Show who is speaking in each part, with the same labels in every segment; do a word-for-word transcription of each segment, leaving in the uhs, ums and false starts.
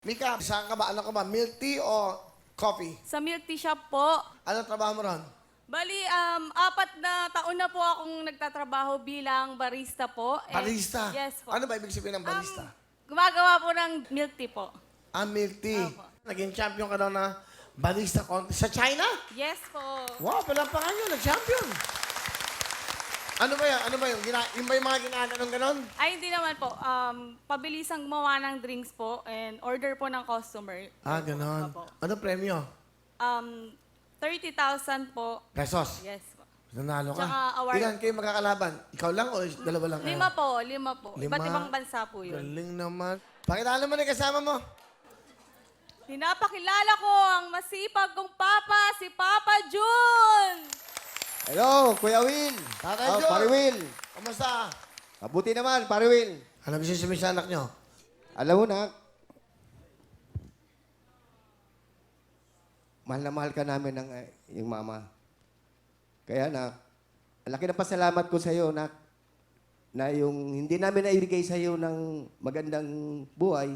Speaker 1: Mika, saan ka ba? Ano ka ba? Milk tea o coffee?
Speaker 2: Sa milk tea shop po.
Speaker 1: Anong trabaho mo ron?
Speaker 2: Bali, um, apat na taon na po akong nagtatrabaho bilang barista po. And-
Speaker 1: Barista?
Speaker 2: Yes po.
Speaker 1: Ano ba ibig sabihin ng barista?
Speaker 2: Um, gumagawa po ng milk tea po.
Speaker 1: ah, milk tea.
Speaker 2: Opo.
Speaker 1: Naging champion ka daw na barista contest sa China?
Speaker 2: Yes po.
Speaker 1: Wow, palampakan nyo, nag-champion. Ano ba yan? Ano ba yun? Gina yung ba yung mga ginaganon ganon?
Speaker 2: Ay, hindi naman po. Um, pabilisang gumawa ng drinks po and order po ng customer.
Speaker 1: Ah, ganon.
Speaker 2: Opo.
Speaker 1: Ano premyo?
Speaker 2: Um, thirty thousand po.
Speaker 1: Pesos.
Speaker 2: Yes po.
Speaker 1: Nanalo ka.
Speaker 2: Tsaka award.
Speaker 1: Ilan kayo magkakalaban? Ikaw lang o dalawa lang kayo?
Speaker 2: Lima po, lima po.
Speaker 1: Lima.
Speaker 2: Iba't ibang bansa po yun.
Speaker 1: Galing naman. Pakilala mo na yung kasama mo.
Speaker 2: Pinapakilala ko ang masipag kong papa, si Papa Jun!
Speaker 3: Hello, Kuya Will.
Speaker 1: Tatay
Speaker 3: Oh,
Speaker 1: Jun.
Speaker 3: Pare Will.
Speaker 1: Kamusta?
Speaker 3: Mabuti naman, Pare Will.
Speaker 1: Ano gusto sabihin sa anak nyo?
Speaker 3: Alam mo na, mahal na mahal ka namin ng eh, yung mama. Kaya na, ang laki na pasalamat ko sa iyo, nak, na yung hindi namin naibigay sa iyo ng magandang buhay,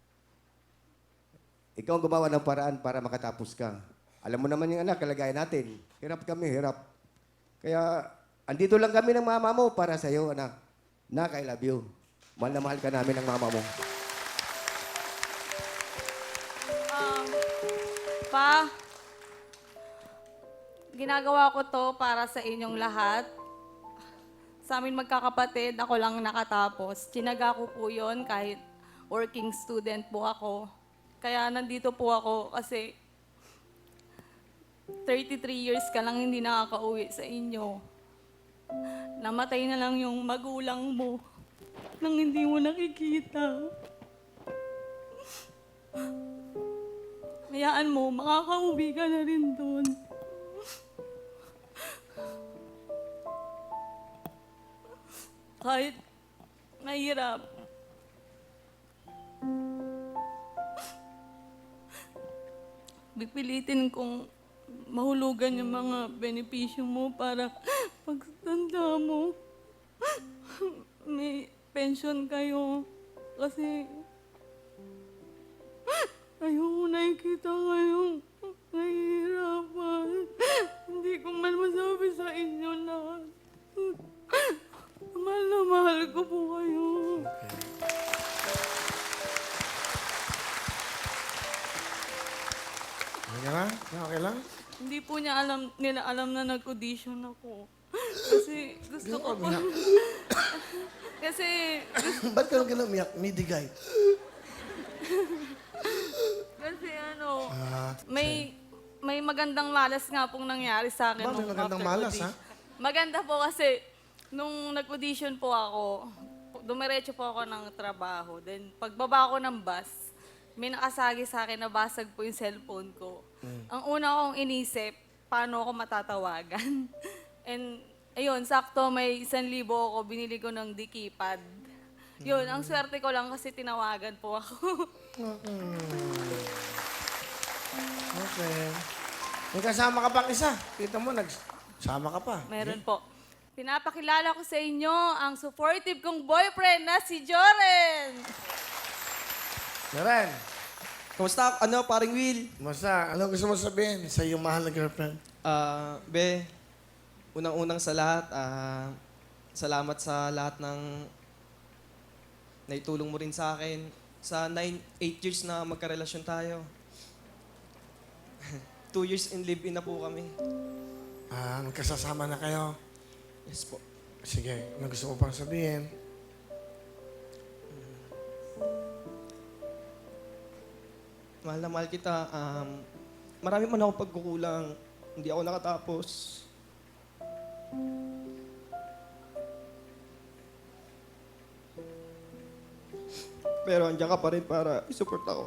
Speaker 3: ikaw ang gumawa ng paraan para makatapos ka. Alam mo naman yung anak, kalagayan natin. Hirap kami, hirap. Kaya, andito lang kami ng mama mo para sa iyo, anak. Nak, I love you. Mahal na mahal ka namin ng mama mo.
Speaker 2: Um, pa, ginagawa ko to para sa inyong lahat. Sa amin magkakapatid, ako lang nakatapos. Tinaga ko po yun kahit working student po ako. Kaya nandito po ako kasi thirty-three years ka lang hindi nakakauwi sa inyo. Namatay na lang yung magulang mo nang hindi mo nakikita. Hayaan mo, makakauwi ka na rin doon. Kahit mahirap. Pipilitin kong mahulugan yung mga benepisyo mo para pagtanda mo, may pension kayo. Kasi ayoko nakikita kayong nahihirapan. Hindi ko man masabi sa inyo na mahal na mahal ko po kayo.
Speaker 1: Okay lang? Okay lang?
Speaker 2: Hindi po niya alam, nila alam na nag-audition ako. Kasi gusto ko po. Kasi
Speaker 1: Ba't ka nang ganun umiyak? Midigay.
Speaker 2: Kasi ano,
Speaker 1: Ah,
Speaker 2: may may magandang malas nga pong nangyari sa akin.
Speaker 1: Ba, may
Speaker 2: nung
Speaker 1: magandang
Speaker 2: after
Speaker 1: malas,
Speaker 2: audition.
Speaker 1: ha?
Speaker 2: Maganda po kasi, nung nag-audition po ako, dumiretso po ako ng trabaho. Then, pagbaba ko ng bus, may nakasagi sa akin na basag po yung cellphone ko.
Speaker 1: Mm.
Speaker 2: Ang una kong inisip, paano ako matatawagan? And, ayun, sakto may isang libo ako, binili ko ng dikipad. Yun, ang swerte ko lang kasi tinawagan po ako.
Speaker 1: Okay. May kasama ka pang isa. Kita mo, nagsama ka pa.
Speaker 2: Meron po. Pinapakilala ko sa inyo ang supportive kong boyfriend na si Joren.
Speaker 1: Jaren,
Speaker 4: Kamusta? Ano, paring Will?
Speaker 1: basta, ano gusto mo sabihin sa iyong mahal na girlfriend?
Speaker 4: Ah, Be, unang-unang sa lahat, ah, salamat sa lahat ng naitulong mo rin sa akin. Sa nine, eight years na magkarelasyon tayo. Two years in live-in na po kami.
Speaker 1: Ah, magkasasama na kayo.
Speaker 4: Yes po.
Speaker 1: Sige, ano gusto mo pang sabihin?
Speaker 4: Mahal na mahal kita. Um, marami man ako pagkukulang. Hindi ako nakatapos. Pero andiyan ka pa rin para isupport ako.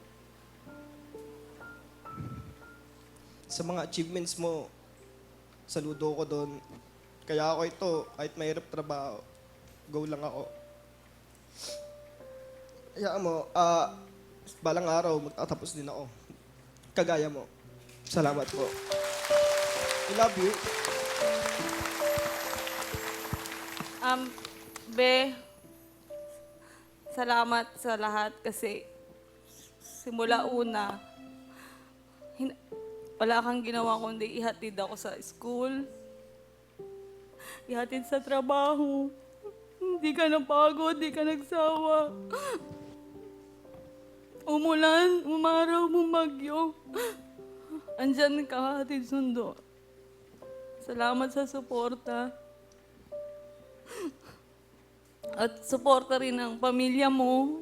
Speaker 4: Sa mga achievements mo, saludo ko doon. Kaya ako ito, kahit mahirap trabaho, go lang ako. Kaya mo, ah, balang araw, magtatapos din ako. Kagaya mo. Salamat po. I love you.
Speaker 2: Um, Be, salamat sa lahat kasi simula una, hin- wala kang ginawa kundi ihatid ako sa school, ihatid sa trabaho. Hindi ka napagod, hindi ka nagsawa. Umulan, umaraw, bumagyo. Andyan ka, hatid sundo. Salamat sa suporta. At suporta rin ang pamilya mo.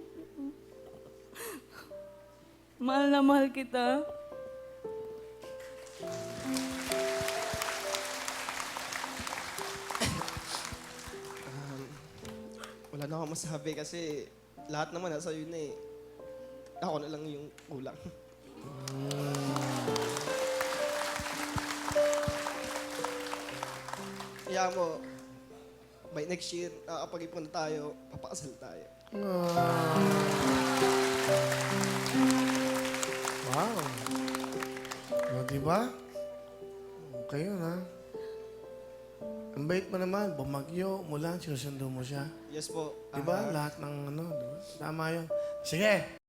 Speaker 2: Mahal na mahal kita.
Speaker 4: Wala na akong masabi kasi lahat naman nasa yun eh. Ako na lang yung kulang. Kaya mo, by next year, nakakapag-ipon na tayo, papakasal tayo.
Speaker 1: Wow. O, diba? Okay yun, ha? Ang bait mo naman, bumagyo, mulan, sinusundo mo siya.
Speaker 4: Yes po.
Speaker 1: Diba?
Speaker 4: Ah,
Speaker 1: Lahat ng ano, diba? Tama yun. Sige,